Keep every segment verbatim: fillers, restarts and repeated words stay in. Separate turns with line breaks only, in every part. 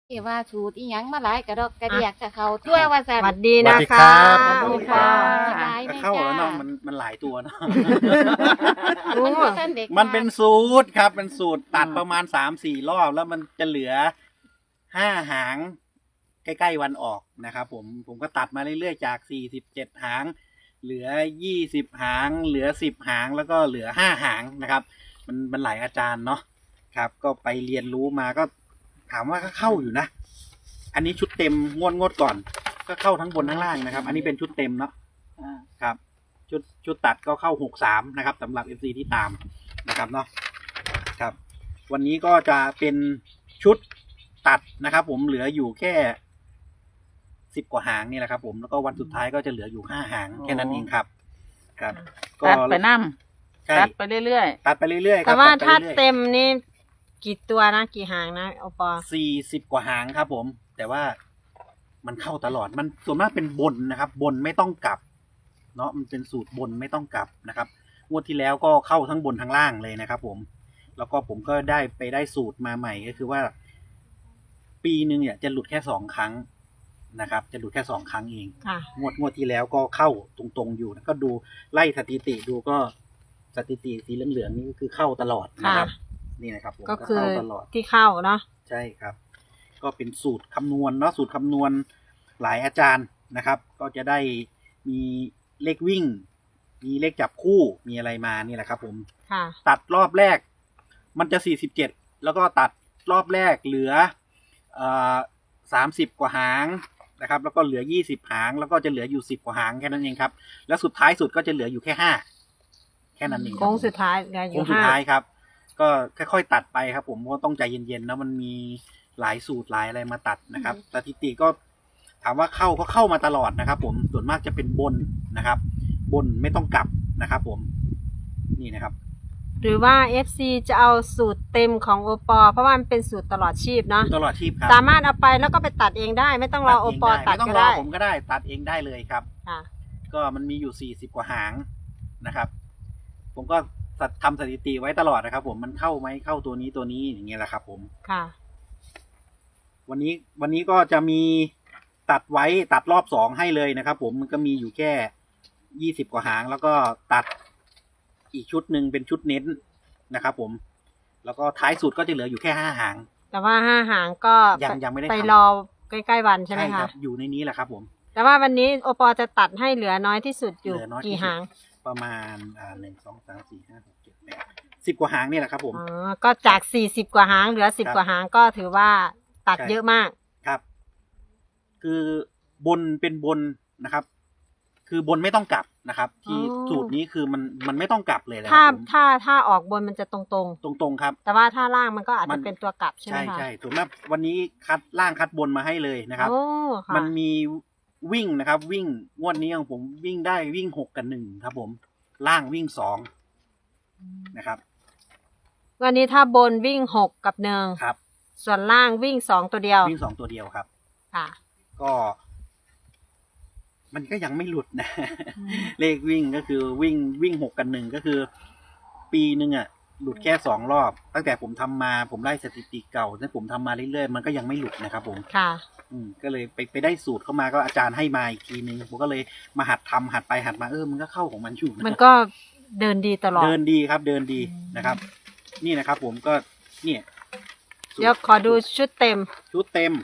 ที่ว่าสูตรอีหยังมาหลายกระดอกกระเดียกกับเขาทั่วว่าซั่น
สวัสดีนะ
สวัสดี
คะ
ครับ
ขอบคุณค่ะ
สบายไหม
เข้าแล้ว
จ้า
เนาะมันมันหลายตัวเนาะ
มันบ่ทันเด็ก
มันเป็นสูตรครับเป็นสูตรตัดประมาณสามสี่รอบแล้วมันจะเหลือห้าหางใกล้ๆวันออกนะครับผมผมก็ตัดมาเรื่อยๆจากสี่สิบเจ็ดหาง เหลือยี่สิบหาง เหลือสิบหางแล้วก็เหลือห้าหางนะครับ มันมันหลายอาจารย์เนาะครับ ก็ไปเรียนรู้มาก็ถามว่าก็เข้าอยู่นะ อันนี้ชุดเต็มงวดงวดก่อน ก็เข้าทั้งบนทั้งล่างนะครับ อันนี้เป็นชุดเต็มเนาะครับ ชุดชุดตัดก็เข้าหกสามนะครับสำหรับ เอฟ ซี ที่ตามนะครับเนาะครับ วันนี้ก็จะเป็นชุดตัดนะครับ ผมเหลืออยู่แค่สิบกว่าหางนี่แหละครับ ผมแล้วก็วันสุดท้ายก็จะเหลืออยู่ห้าหางแค่นั้นเองครับ ครับ
ตัดไปน้
ใช่
ำตัดไปเรื่อย
ตัดไปเรื่อยๆครั
แต่
บ
ว่า
ตัดไป
ถ้า
รื่อยๆ
เต็มนี่กี่ตัวนะกี่หางนะโอปอ
สี่สิบกว่าหางครับผม แต่ว่ามันเข้าตลอดมันส่วนมากเป็นบนนะครับ บนไม่ต้องกลับ เนาะมันเป็นสูตรบนไม่ต้องกลับนะครับงวดที่แล้วก็เข้าทั้งบนทั้งล่างเลยนะครับ ผม แล้วก็ผมก็ได้ไปได้สูตรมาใหม่ก็คือว่า ปีหนึ่งเนี่ยจะหลุดแค่สองครั้งนะครับ จะหลุดแค่สองครั้งเอง
ค่ะ
งวดงวดที่แล้วก็เข้าตรงๆอยู่นะก็ดูไล่สถิติดูก็สถิติสีเหลืองๆนี่ก็คือเข้าตลอดนะครับ นี่นะครับผม
ก็คือ
เข้าตลอด
ที่เข้าเนาะ
ใช่ครับ ก็เป็นสูตรคำนวณเนาะสูตรคำนวณหลายอาจารย์นะครับ ก็จะได้มีเลขวิ่ง มีเลขจับคู่มีอะไรมานี่แหละครับ ผม
ค่ะ
ตัดรอบแรก มันจะสี่สิบเจ็ดแล้วก็ตัดรอบแรกเหลือเอ่อสามสิบกว่าหางนะครับ แล้วก็เหลือยี่สิบหาง แล้วก็จะเหลืออยู่สิบกว่าหางแค่นั้นเองครับ แล้วสุดท้ายสุดก็จะเหลืออยู่แค่ห้าแค่นั้นเองครับ
โค้งสุดท้ายเหลืออ
โค้
ยู่
งสุด
ห้า
ท้ายครับ ก็ค่อยๆตัดไปครับ ผมเพราะต้องใจเย็นๆนะมันมีหลายสูตรหลายอะไรมาตัดนะครับสถิติก็ถามว่าเข้าก็เข้ามาตลอดนะครับ ผมส่วนมากจะเป็นบนนะครับ บนไม่ต้องกลับนะครับ ผมนี่นะครับ
หรือว่า เอฟ ซี จะเอาสูตรเต็มของโอปอเพราะว่ามันเป็นสูตรตลอดชีพเนาะ
ตลอดชีพครับ
สามารถเอาไปแล้วก็ไปตัดเองได้ ไม่ต้องรอโอปอตัด
ไม่ต้อง
ก็
รอ
ได้
ผมก็ได้ตัดเองได้เลยครับ
ค่ะ
ก็มันมีอยู่สี่สิบกว่าหางนะครับ ผมก็ทำสถิติไว้ตลอดนะครับ ผมมันเข้าไหมเข้าตัวนี้ตัวนี้อย่างเงี้ยแหละครับ ผม
ค่ะ
วันนี้วันนี้ก็จะมีตัดไว้ตัดรอบสองให้เลยนะครับ ผมมันก็มีอยู่แค่ยี่สิบกว่าหาง แล้วก็ตัดอีกชุดหนึ่งเป็นชุดเน้นนะครับ ผม แล้วก็ท้ายสุดก็จะเหลืออยู่แค่ห้าหาง
แต่ว่าห้าหางก็
ยังยังไม่ได้ทำ
ไปรอใกล้ๆวันใช่ไหม
ค
คะ
รับอยู่ในนี้แหละครับผม
แต่ว่าวันนี้โอปอจะตัดให้เหลือน้อยที่สุดอยู่
เหลือน้อยที่
กี่
สุด
หาง
ประมาณอ่าหนึ่งสองสามสี่ห้าหกเจ็ดแปดสิบกว่าหางนี่แหละครับ ผม
อ๋อ ก็จากสี่สิบกว่าหางเหลือสิบ
ครับ
กว่าหางก็ถือว่าตัด
ใช่
เยอะมาก
ครับ คือบนเป็นบนนะครับ คือบนไม่ต้องกลับนะครับ ที่
อ๋อ
สูตรนี้คือมันมันไม่ต้องกลับเลยนะค
ถ้า
รับผม
ถ้าถ้าออกบนมันจะตรง
ตรงๆครับ
ๆ แต่ว่าถ้าล่างมันก็อาจ
มั
จะ
น
เป็นตัวกลับใช่ไหม
ใช่
คะ
ใช่ส่วนมากวันนี้คัดล่างคัดบนมาให้เลยนะครับ
โอ้ค่ะ
มันมีวิ่งนะครับ วิ่งงวดนี้ของผมวิ่งได้วิ่งหกกับหนึ่งครับ ผมล่างวิ่งสองนะครับ
วันนี้ถ้าบนวิ่งหกกับหนึ่ง
ครับ
ส่วนล่างวิ่งสองตัวเดียว
วิ่งสองตัวเดียวครับ
ค่ะ
ก็ มันก็ยังไม่หลุดนะ
อืม
เลขวิ่งก็คือวิ่งวิ่งหกกันหนึ่งก็คือ ปีหนึ่งอ่ะ หลุดแค่สองรอบ ตั้งแต่ผมทำมาผมไล่สถิติเก่าที่ผมทำมาเรื่อยๆมันก็ยังไม่หลุดนะครับ ผม
ค่ะ
อืมก็เลยไปไปได้สูตรเข้ามาก็อาจารย์ให้มาอีกทีนึงผมก็เลยมาหัดทำหัดไปหัดมาเออมันก็เข้าของมันอยู่ะ
มันก็เดินดีตลอด
เดินดีครับ เดินดีนะครับ นี่นะครับ ผมก็เนี่ยสูตร
เดี๋ยวขอดูชุดเต็ม
ชุดเต็ม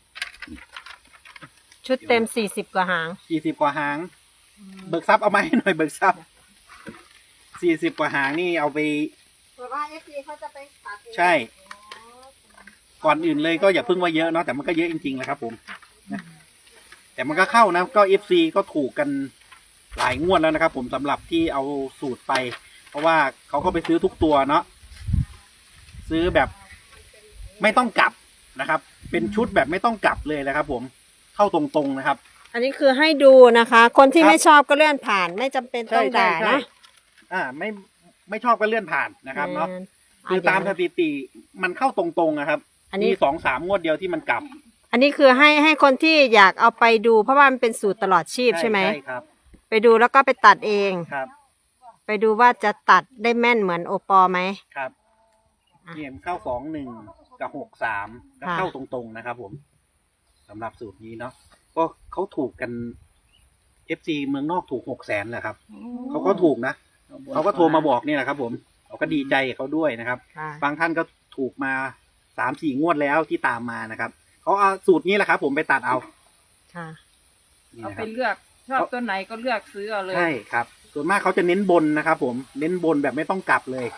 ชุดเต็มสี่สิบกว่าหาง
สี่สิบกว่าหาง เบิกทรัพย์เอามาให้หน่อยเบิกทรัพย์สี่สิบกว่าหางนี่เอาไป
แต่ว่าเอฟซีเขาจะไปตัด
ใช่ ก่อนอื่นเลยก็อย่าเพิ่งว่าเยอะเนาะแต่มันก็เยอะจริงๆแหละครับ ผมนะแต่มันก็เข้านะก็เอฟซีก็ถูกกันหลายงวดแล้วนะครับ ผมสำหรับที่เอาสูตรไป เพราะว่าเขาก็ไปซื้อทุกตัวเนาะซื้อแบบไม่ต้องกลับนะครับ เป็นชุดแบบไม่ต้องกลับเลยนะครับ ผมเข้าตรงๆนะครับ
อันนี้คือให้ดูนะคะ คนที่
ครับ
ไม่ชอบก็เลื่อนผ่าน ไม่จำเป็นต้องด่านะ
อ่า ไม่ไม่ชอบก็เลื่อนผ่านนะครับเนาะ
อืม
คือตามสถิติมันเข้าตรงๆนะครับ
อันนี้
มีสองสามงวดเดียวที่มันกลับ
อันนี้คือให้ให้คนที่อยากเอาไปดู เพราะว่ามันเป็นสูตรตลอดชีพใช่ไหม
ใช่ครับ
ไปดูแล้วก็ไปตัดเอง
ครับ
ไปดูว่าจะตัดได้แม่นเหมือนโอปอไหม
ครับ
อ่ะ
เนี่ยมันเข้าสองหนึ่งกับหกสามก็เข้าตรงๆนะครับผมสำหรับสูตรนี้เนาะก็เขาถูกกันเอฟซีเมืองนอกถูกหกแสนแหละครับเขาก็ถูกนะเขาก็โทรมาบอกนี่แหละครับผมเราก็ดีใจกับเขาด้วยนะครับ
ค่ะ
บางท่านก็ถูกมาสามสี่งวดแล้วที่ตามมานะครับเขาเอาสูตรนี้แหละครับผมไปตัดเอา
ค่ะ
นี่
เอา
นะค
ไป
รับ
เลือกชอบตัวไหนก็เลือกซื้อเอาเลย
ใช่ครับ ส่วนมากเขาจะเน้นบนนะครับผมเน้นบนแบบไม่ต้องกลับเลย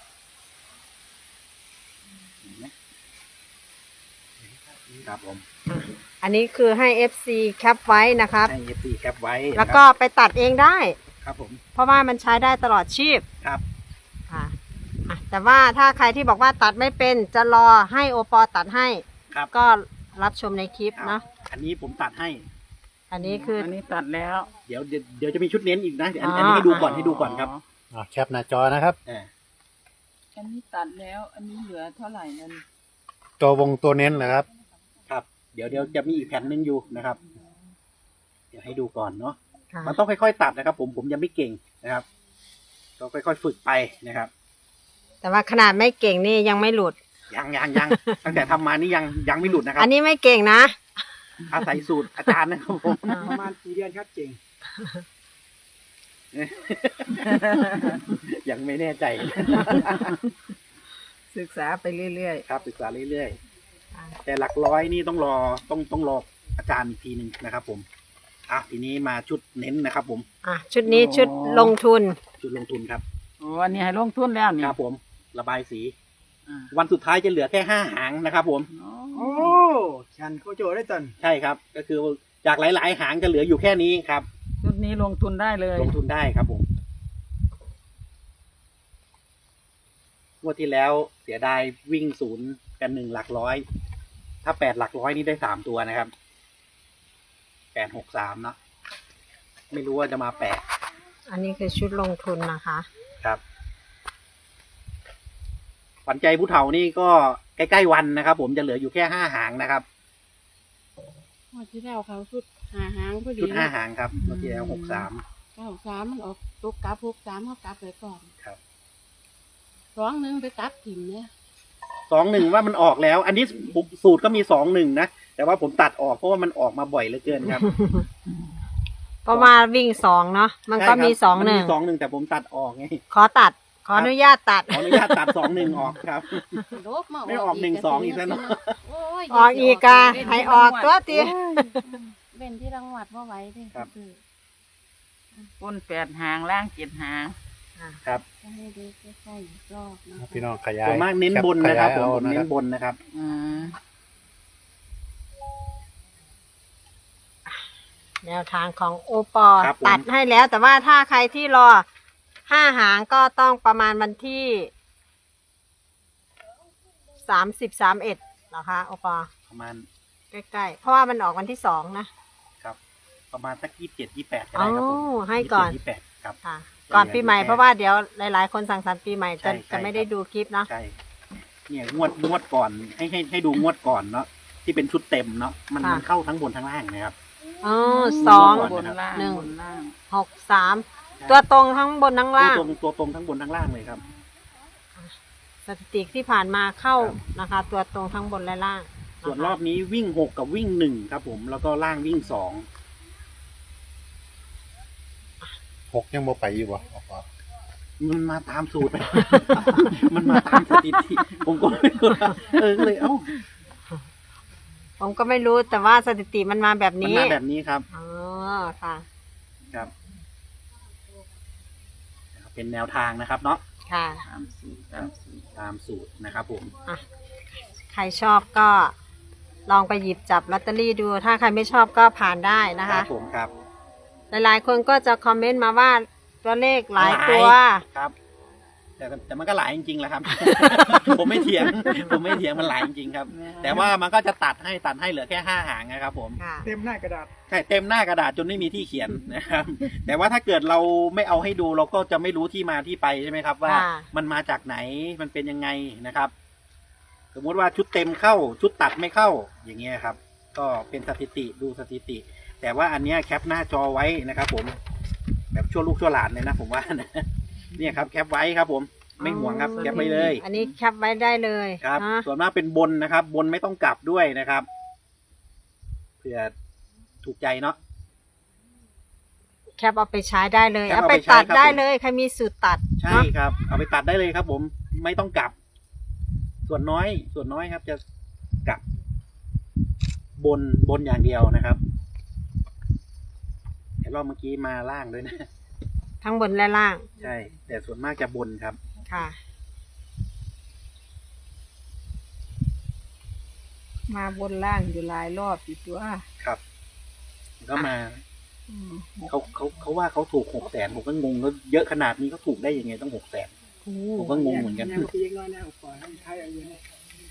เห็นไหมครับผม
อันนี้คือให้ เอฟ ซี แคปไว้นะครับ
ให้เอฟซีแคปไว้
แล้วก็ไปตัดเองได้
ครับผม
เพราะว่ามันใช้ได้ตลอดชีพ
ครับ
ค่ะอ่ะ แต่ว่าถ้าใครที่บอกว่าตัดไม่เป็นจะรอให้โอปอตัดให้
ครับ
ก็รับชมในคลิป
ครับ
เนาะ
อันนี้ผมตัดให้
อันนี้คือ
อันนี้ตัดแล้ว
เดี๋ยวเดี๋ยวเดี๋ยวจะมีชุดเน้นอีกนะอัน
อ๋ออั
อันนี้ให้ดูก่อนให้ดูก่อนครับ
อ่ะแคปหน้าจอนะครับ
อ่า
อันนี้ตัดแล้ว อันนี้เหลือเท่าไหร่นั่น
ตัววงตัวเน้นเหรอครับ
ครับ เดี๋ยวเดี๋ยวจะมีอีกแผ่นหนึงอยู่นะครับ เดี๋ยวให้ดูก่อนเนาะ
ค่ะ
มันต้องค่อยๆตัดนะครับ ผมผมยังไม่เก่งนะครับก็ค่อยๆฝึกไปนะครับ
แต่ว่าขนาดไม่เก่งนี่ยังไม่หลุด
ยังยังยัง ตั้งแต่ทำมานี่ยังยังไม่หลุดนะครับ
อันนี้ไม่เก่งนะ
อาศัยสูตรอาจารย์นะครับผม
อ่า
ประมาณสี่เดือนครับเก่ง ยังไม่แน่ใจ
ศึกษาไปเรื่อย
ครับศึกษาเรื่อยๆแต่หลักร้อยนี่ต้องรอต้องต้องรออาจารย์อีกทีหนึ่งนะครับ ผมอ่ะทีนี้มาชุดเน้นนะครับ ผม
อ่ะชุดนี้ชุดลงทุน
ชุดลงทุนครับ
ๆโอ้อันนี้ให้ลงทุนแล้วนี่
ครับผมระบายสี
อ่า
วันสุดท้ายจะเหลือแค่ห้าหางนะครับ ผม
โอ้
ฉันเขาโจได้ตัน
ใช่ครับ ก็คือจากหลาย ๆ หางจะเหลืออยู่แค่นี้ครับ
ชุดนี้ลงทุนได้เลย
ลงทุนได้ครับผมงวดที่แล้วเสียดายวิ่งศูนย์กันหนึ่งหลักร้อย ถ้าแปดหลักร้อยนี่ได้สามตัวนะครับแปดหกสามเนาะไม่รู้ว่าจะมาแปด
อันนี้คือชุดลงทุนนะคะ
ครับขวัญใจผู้เฒ่านี่ก็ใกล้ๆวันนะครับ ผมจะเหลืออยู่แค่ห้าหางนะครับ
งวดที่แล้วเขาชุดหาหางพอดี
ชุดห้าหางครับงวดที่แล้วหกสาม
เก้าสามมันออกตกกลับหกสามเขากลับไปก่อน
ครับ
สองหนึ่งไปกลับถิ่มเนี่ย
สองหนึ่งว่ามันออกแล้ว อันนี้ผมสูตรก็มีสองหนึ่งนะแต่ว่าผมตัดออกเพราะว่ามันออกมาบ่อยเหลือเกินครับ
เพราะว่าวิ่งสองเนาะมันก็มีสองหนึ่ง
มันมีสองหนึ่งแต่ผมตัดออกไง
ขอตัด ขออนุญาตตัด
ขออนุญาตตัดสองหนึ่งออกครับ
ลบมา
ไม่ออกหนึ่งสองอีกแล้วเนอะ
โอ้ย
ออกอีกอะให้ออกตัวตี
เว้นที่รางวัดว่าไหว้ดิ
ครับ
คือ
บนแปดหางล่างเจ็ดหาง
ครับ
จะให้ดูใกล้ๆอีกรอบนะคะ
พี่น้องขยาย
ส่วนมากเน้นบนนะครับ
แ
ผมผม
ขยาย
เน้
เอา
นบนนะครับ
อืม
แนวทางของโอปอ
ครับผม
ตัดให้แล้ว แต่ว่าถ้าใครที่รอห้าหางก็ต้องประมาณวันที่สามสิบสามเอ็ดเหรอคะโอปอ
ประมาณ
ใกล้ๆ เพราะว่ามันออกวันที่สองนะครับ
ประมาณสักยี่สิบเจ็ดยี่แปดก็
อ๋อ
ได้ครับผม
ให้ก่อน
ยี่สิบแปดครับ
ค่ะ ก่อนปีใหม่เพราะว่าเดี๋ยวหลายๆ คนสั่งสรรค์ปีใหม่จะ
ใช่ใช่
จะไม่ได้ดูคลิปเนาะ
ใช่ เนี่ยงวดงวดก่อนให้ให้ให้ดูงวดก่อนเนาะที่เป็นชุดเต็มเนาะมันมันเข้าทั้งบนทั้งล่างนะครับ
อ๋อสอง
ก่อน
บนล่าง
หนึ่ง
บนล่าง
หกสามตัวตรงทั้งบนทั้ง
ตัว
ล่าง
ตรงตัวตรงทั้งบนทั้งล่างเลยครับ
สถิติที่ผ่านมาเข้า
ครับ
นะคะ ตัวตรงทั้งบนและล่างะคะ
ส่วนรอบนี้วิ่งหกกับวิ่งหนึ่งครับ ผมแล้วก็ล่างวิ่งสอง
หกยังบ่ไปอยู่บ่ออกมา
มันมาตามสูตร มันมาตามสถิติผมก็ไม่รู้ว่าเออก็เลยเอ้า
ผมก็ไม่รู้แต่ว่าสถิติมันมาแบบ
มัน
นี้
มาแบบนี้ครับ
อ๋อค่ะ
ครับ เป็นแนวทางนะครับ เนาะ
ค่ะ
ตามสูตรตามสูตร
ตามสูตรนะครับ ผม
อ่ะใครชอบก็ลองไปหยิบจับลอตเตอรี่ดู ถ้าใครไม่ชอบก็ผ่านได้นะ
ครั
คะ
บผมครับ
หลายๆ คนก็จะคอมเมนต์มาว่าตัวเลขหลายตัว
ครับ แต่แต่มันก็หลายจริงๆแหละครับ ผมไม่เถียง ผมไม่เถียงมันหลายจริงๆครับ แต่ว่ามันก็จะตัดให้ตัดให้เหลือแค่ห้าหางนะครับ ผม
ค่ะ
เต็มหน้ากระดาษ
ใช่เต็มหน้ากระดาษจนไม่มีที่เขียนนะครับ แต่ว่าถ้าเกิดเราไม่เอาให้ดูเราก็จะไม่รู้ที่มาที่ไปใช่ไหมครับ ว่า
ค่ะ
มันมาจากไหนมันเป็นยังไงนะครับ สมมุติว่าชุดเต็มเข้า ชุดตัดไม่เข้าอย่างเงี้ยครับ ก็เป็นสถิติดูสถิติ แต่ว่าอันเนี้ยแคปหน้าจอไว้นะครับ ผมแบบชั่วลูกชั่วหลานเลยนะผมว่านะเนี่ยครับแคปไว้ครับ ผมไม่ห่วงครับแคปไว้เลย
อันนี้แคปไว้ได้เลย
ครับ
นะ
ส่วนมากเป็นบนนะครับ บนไม่ต้องกลับด้วยนะครับเผื่อถูกใจเนาะ
แคปเอาไปใช้ได้เลย
แคป
เอา
เอา
ไป
ไปใช้
ตัด
ครับ
ได้
ผม
เลยใครมีสูตรตัด
ใช่
เนาะ
ครับ เอาไปตัดได้เลยครับ ผมไม่ต้องกลับ ส่วนน้อย ส่วนน้อยครับ จะกลับบนบนอย่างเดียวนะครับแต่รอบเมื่อกี้มาล่างด้วยนะ
ทั้งบนและล่าง
ใช่ แต่ส่วนมากจะบนครับ
ค่ะ
มาบนล่างอยู่หลายรอบอยู่ตัว
ครับก็มา
อืม
เขาเขาเขาว่าเขาถูกหกแสนผมก็งงแล้วเยอะขนาดนี้เขาถูกได้ยังไงต้องหกแสนผมก็งงเหมือนกัน
แนวที่ยังน้อยแนวขวาให้ใช้เอาอยู่เนี่ย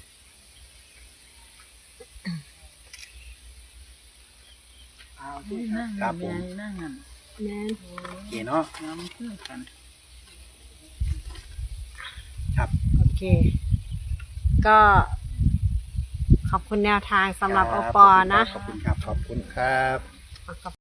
เอาที่
นั่ง
ครับผม
นั่งนั่ง
แม่น
โอเคเนาะ
น้ำเพื่อกัน
ครับ
โอเค ก็ ขอบคุณแนวทางสำหรับโอปอนะ
ขอบคุณครับ
ขอบคุณครับ
ขอบ